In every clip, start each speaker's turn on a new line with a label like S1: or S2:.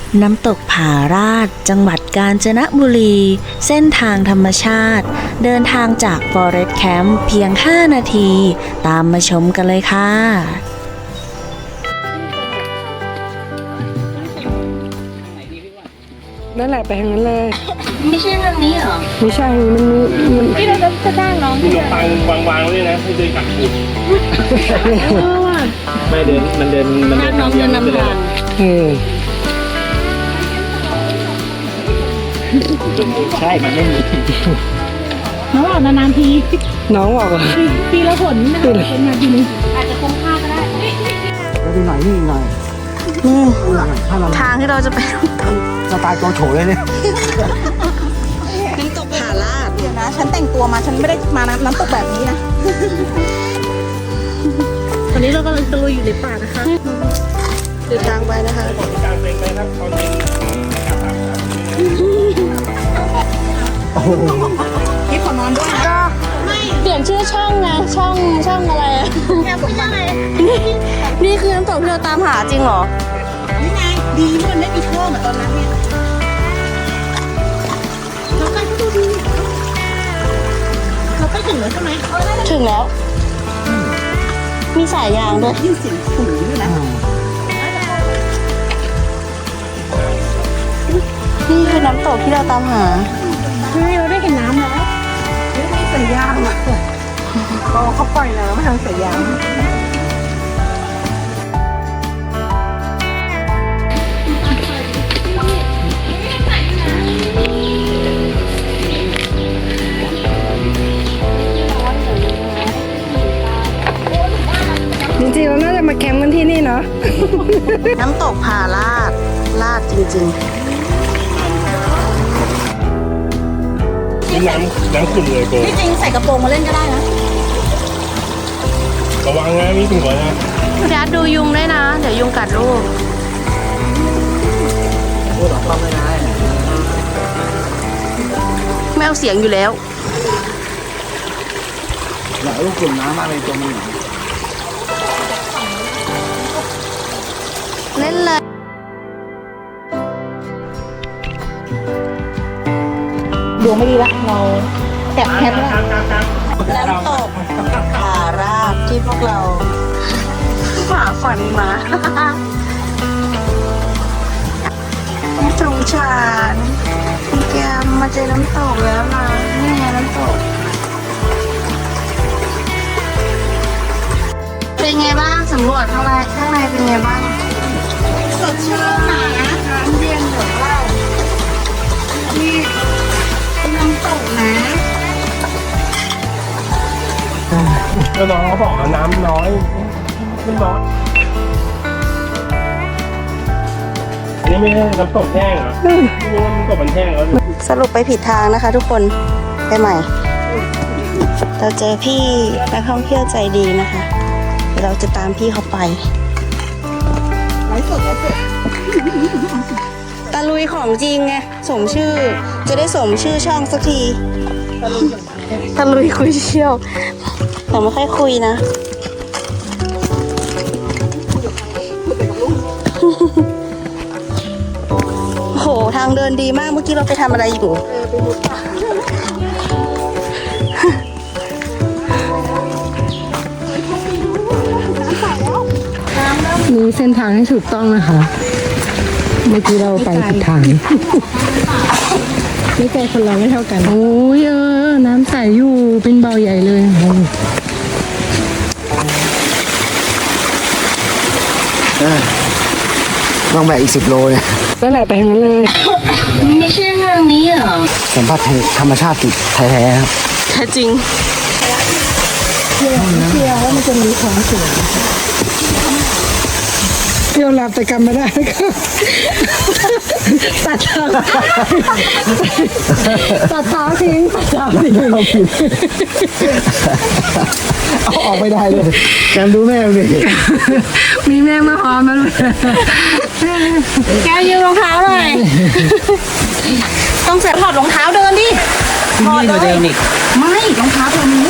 S1: น้ำตกผาราดจังหวัดกาญจนบุรี เส้นทางธรรมชาติ เดินทางจาก Forest Camp เพียง 5 นาที ตามมาชมกันเลยค่ะ
S2: นั่นแหละไปทางนั้นเลย
S1: ไม่ใช่ทางนี้เหรอ
S2: ไม่ใช่มัน
S3: ที่เราจะจ้างน้อง
S4: ขนมปังวางๆไว้ด้วยนะให้เดินกัดกลุ่มไม่เดินมันเดิน
S1: น้องเดินนำทาง
S4: ใช่มันไม่มี
S3: น้องบอกนานๆที
S2: น้องบอกว่า
S3: ปีละผลนะเป็นงานทีนึงอาจจะคุ้มค่าก็ได้
S4: ดูหน่อยนี่หน่อยถ้าเรา
S1: ทางที่เราจะไป
S4: สไตล์โจโฉเลยเนี่ย
S1: น้ำตกผาราด
S3: เดี๋ยวนะฉันแต่งตัวมาฉันไม่ได้มาน้ำตกแบบนี้นะตอนนี้เรากำลังตะลุยอยู่ในป่านะคะ
S1: เดินทางไปนะคะ
S4: กลางเต็งเลยครับตอนนี้โอ้โห
S3: นี่ขอนอนด้วยนะ
S1: เปลี่ยนชื่อช่องไงช่องอะไรอะ
S3: แค่ผมยังไง
S1: นี่คือน้ำตกที่เราตามหาจริงเหรอ
S3: นี่ไงดีมันไม่มีท่อเหมือนตอนนั้นเนี่ยเราใกล้ก็ดูดีเราใกล้ถึงแล้วใช่ไหม
S1: ถึงแล้ว มีสายยางด้วย
S3: ยิ่งเสียงสูงด้วยนะ
S1: นี่คือน้ำตกที่เราตามหา
S3: เฮ้ยเราได้เห็นน้ำแล้วไม่ใส่ยางอ่ะก็เขาปล่อยน้ำมาทางใส่ยาง
S2: จริงๆเราน่าจะมาแคมป์กันที่นี่เนาะ
S1: น้ำตกผาราดจริง
S4: นี่น้ำขุ่นเลยโก
S3: ที่จริงใส่กระโปรงมาเล่นก็ได้นะ
S4: ระวังนะมีหัวนะ
S1: ๆพี่อาร์ตดูยุงด้วยนะ เดี๋ยวยุงกัดลูก
S4: พูดออกมาไม่ได้
S1: ไม่เอาเสียงอยู่แล้ว
S4: อยากลูกกลุ่มน้ำอะไรตัวมัน
S1: เล่นเลย
S3: ดวงไม่ดีละเราแตะแคปแล้ว
S1: น้ำตกผาราดที่พวกเราฝ่าฝันมา สงสารคุณแกมมาเจอน้ำตกแล้วนะนี่ไงน้ำตก เป็นไงบ้างสำรวจข้างในเป็นไงบ้าง
S3: สดชื่นนะน้ำเย็นเหมือนเรานี่เป็นน้ำตกนะ
S4: แล้วน้องเขาบอกว่าน้ำน้อยขึ้นน้อยอันนี้ไม่ใช่น้ำตกแห้งเหรอไม่รู้ว่าน้ำตกมันแห้งแล้ว
S1: สรุปไปผิดทางนะคะทุกคนไปใหม่ เราเจอพี่นักท่องเที่ยวใจดีนะคะเดี๋ยวเราจะตามพี่เขาไป
S3: ไลฟ์สด
S1: ตะลุยของจริงไงสมชื่อ จะได้สมชื่อช่องสักทีตะลุยคุยเชี่ยวแต่ไม่ค่อยคุยนะ โอ้โหทางเดินดีมากเมื่อกี้เราไปทำอะไรอยู่
S2: รู้เส้นทางให้ถูกต้องนะคะ เมื่อกี้เราไปผิดทางนี่ใจคนเราไม่เท่ากัน โอ้ยน้ำใสอยู่เป็นเบาใหญ่เลยโอ้ย
S5: ต้องแบกอีก10 โลเนี่ย
S2: นั่นแหละไปทางนั้นเลย
S1: ไม่ใช่ทางนี้เหรอ
S5: สัมผัสธรรมชาติแท้ๆครับ
S1: แท้จริง
S2: เที่ยวหลับแต่กำไม่ได้ก็ตัดเท้าทิ้งตัดเท้าทิ้ง
S5: เอาออกไม่ได้เลยแกมดูแม่เลย
S2: มีแม่งมาหอมมาเลย
S3: แกยืมรองเท้าหน่อยต้องใส่ถอดรองเท้าเดินดิถอดเลยไม่รองเท้าตัวนี้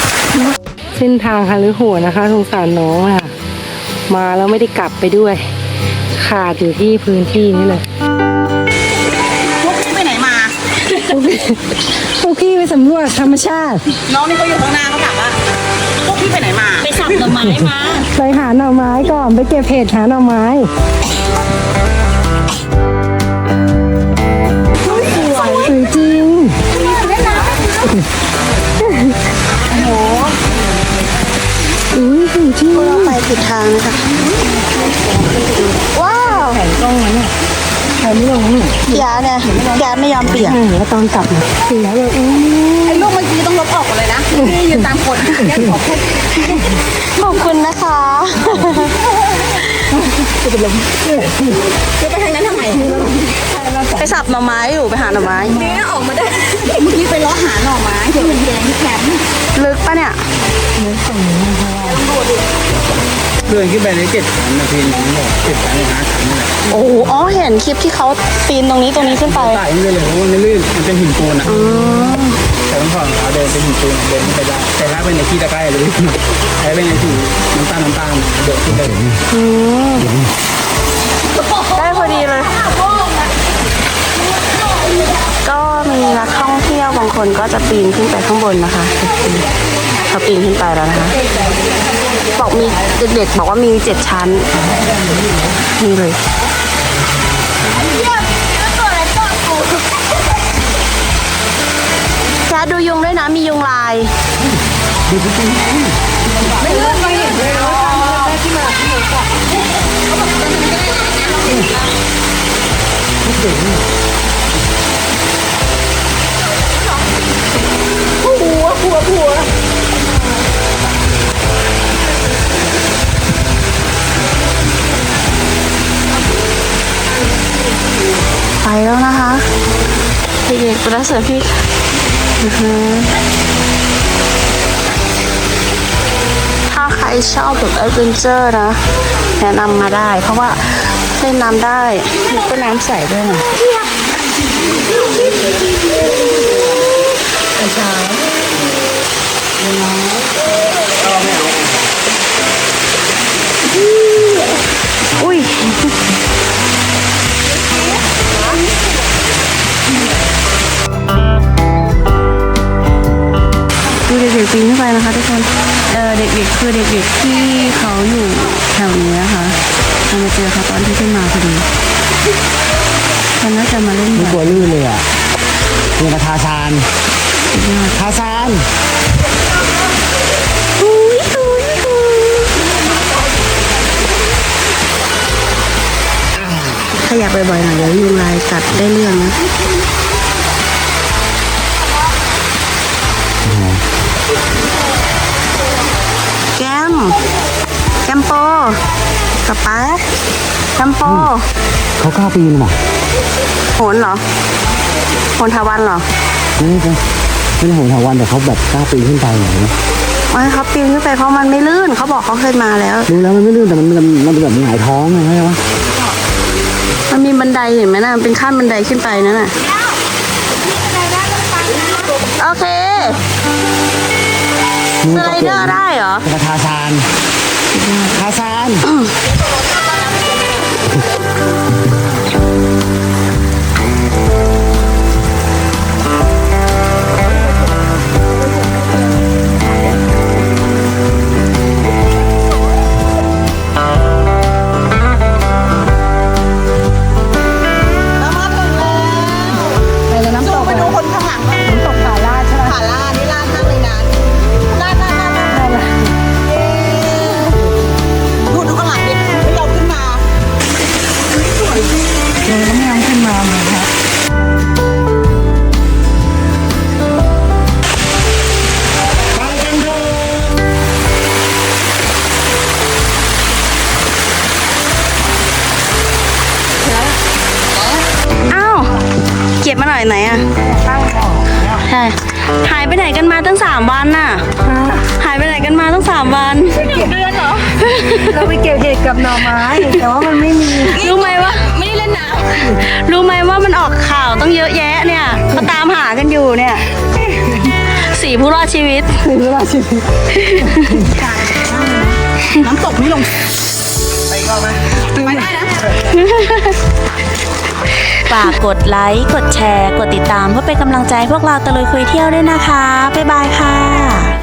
S2: เส้นทางฮาลือโหดนะคะสงสารน้องค่ะ มาแล้วไม่ได้กลับไปด้วยขาดอยู่ที่พื้นที่นี่เลย
S3: พวกพี่ไปไหนมา
S2: พวกพี่ไปสำรวจธรรมชาติ
S3: น้องนี่เขาอยู่ข้างหน้าเขาถามว่าพวกพี่ไปไหนมา
S1: ไปสับหน่อไม้มา
S2: ไปหาหน่อไม้ก่อนไปเก็บเห็ดหาหน่อไม้สวยจริงอุ้ยสวยจริง
S3: ไปผิดทางนะคะว้าว
S2: แผนกล้องมันเนี่ยใครไม่ลงนี่
S3: ยาเนี่ยยาไม่ยอมเปลี่ยน
S2: แล้วตอนกลับเนี่ยเสียเลย
S3: ไอ้ลูกเมื่อกี้ต้องลบออกหมดเลยนะพี่ยืนตามคนแค่ขอแค่ขอบคุณนะคะจะไปทางนั้นทำไมไปสับหน่อไม้อยู่ไปหาหน่อไม้นี่ออกมาได้เมื่อกี้ไปล้อหาหน่อไม้เดี๋ยวมันแดงที่แคมป์ลึกปะเนี่ย
S5: เพื่อนขึ้นไปใน7 ชั้นนะพี่น้องบอก7 ชั้น5 ชั้นนี่แหละ
S3: โอ้โหอ๋อเห็นคลิปที่เขาปีนตรงนี้ขึ้นไป
S5: ไต่ขึ้นไปเลยเพราะว่ามันลื่นมันเป็นหินปูนอ่ะแต่ต้องถอดรองเท้าเดินเป็นหินปูนเดินไม่ได้แต่ถ้าเป็นในที่ตะไคร้เลยถ้าเป็นในที่น้ำตาลเดินขึ้นได้เลย
S3: ได้พอดีเลย ก็มีนักท่องเที่ยวบางคนก็จะปีนขึ้นไปข้างบนนะคะเขาปีนขึ้นไปแล้วนะคะบอกมีเด็กๆบอกว่ามี7 ชั้นนี่เลยแค่ดูยุงด้วยนะมียุงลาย ไปแล้วนะคะเด็กๆประเสริฐพี่ถ้าใครชอบแบบแอดเวนเจอร์นะแนะนำมาได้ เพราะว่าเล่นน้ำได้ก็น้ำใสด้วยนะอุ้ยดูเด็กๆปีนขึ้นไปนะคะทุกคนเด็กๆคือเด็กๆที่เขาอยู่แถวนี้นะคะเรามาเจอเขาตอนที่ขึ้นมาพอดีเขาน่าจะมาเล่น
S5: ไม่
S3: แบบ
S5: กลัวลื่นเลยอ่ะเนี่ยมาทาซาน
S3: ขยับบ่อยๆหน่อยเดี๋ยวยุงลายกัดได้เรื่องนะแกมโปกระป๋าแกมโป
S5: เขากล้าปีนหรอ
S3: โหนเหรอโหนทาวันเหรอ
S5: ไม่ใช่โหนถาวันแต่เขาแบบกล้าปีนขึ้นไปอย่างนี้
S3: ไม่เขาปีนขึ้นไปเพราะมันไม่ลื่นเขาบอกเขาเคยมาแล้ว
S5: รู้แล้วมันไม่ลื่นแต่มันเป็นแบบหงายท้องไงใช่ไหม
S3: มันมีบันไดเห็นไหมนะมันเป็นขั้นบันไดขึ้นไปนั่นน่ะโอเคสไลเดอร์ได้เหรอ
S5: มาทาซาน
S2: ไปแล้วน้ำตก
S3: มาดูคนข้างหลังหน่อย
S2: น้ำตกผาลาดใช่ไหม
S3: ผาลาดนี่ลาดมากเลยนะลาดดูข้างหลังดิไม่ยอมขึ้นมา
S2: เราต้องยอมขึ้นมาเหมือนครับ
S3: อ้าวเก็บมาหน่อยไหนอ่ะใช่หายไปไหนกันมาตั้ง3 วันน่ะหายไปไหนกันมาตั้ง3 วันเดือนเหรอ
S2: เราไปเก็บเห็ดกับหน่อไม้ แต่ว่ามันไม่มี
S3: รู้ไหมว่าไม่ได้เล่นน้ำรู้ไหมว่ามันออกข่าวต้องเยอะแยะเนี่ยเขาตามหากันอยู่เนี่ย4 ผู้รอดชีวิต
S2: ถึงเวลาชีวิต
S3: น้ำตกไม่ลงไปก่อนไหมไปได้นะ
S1: ฝากกดไลค์ กดแชร์ กดติดตามเพื่อเป็นกำลังใจให้พวกเราตะลุยคุยเที่ยวด้วยนะคะ บ๊ายบายค่ะ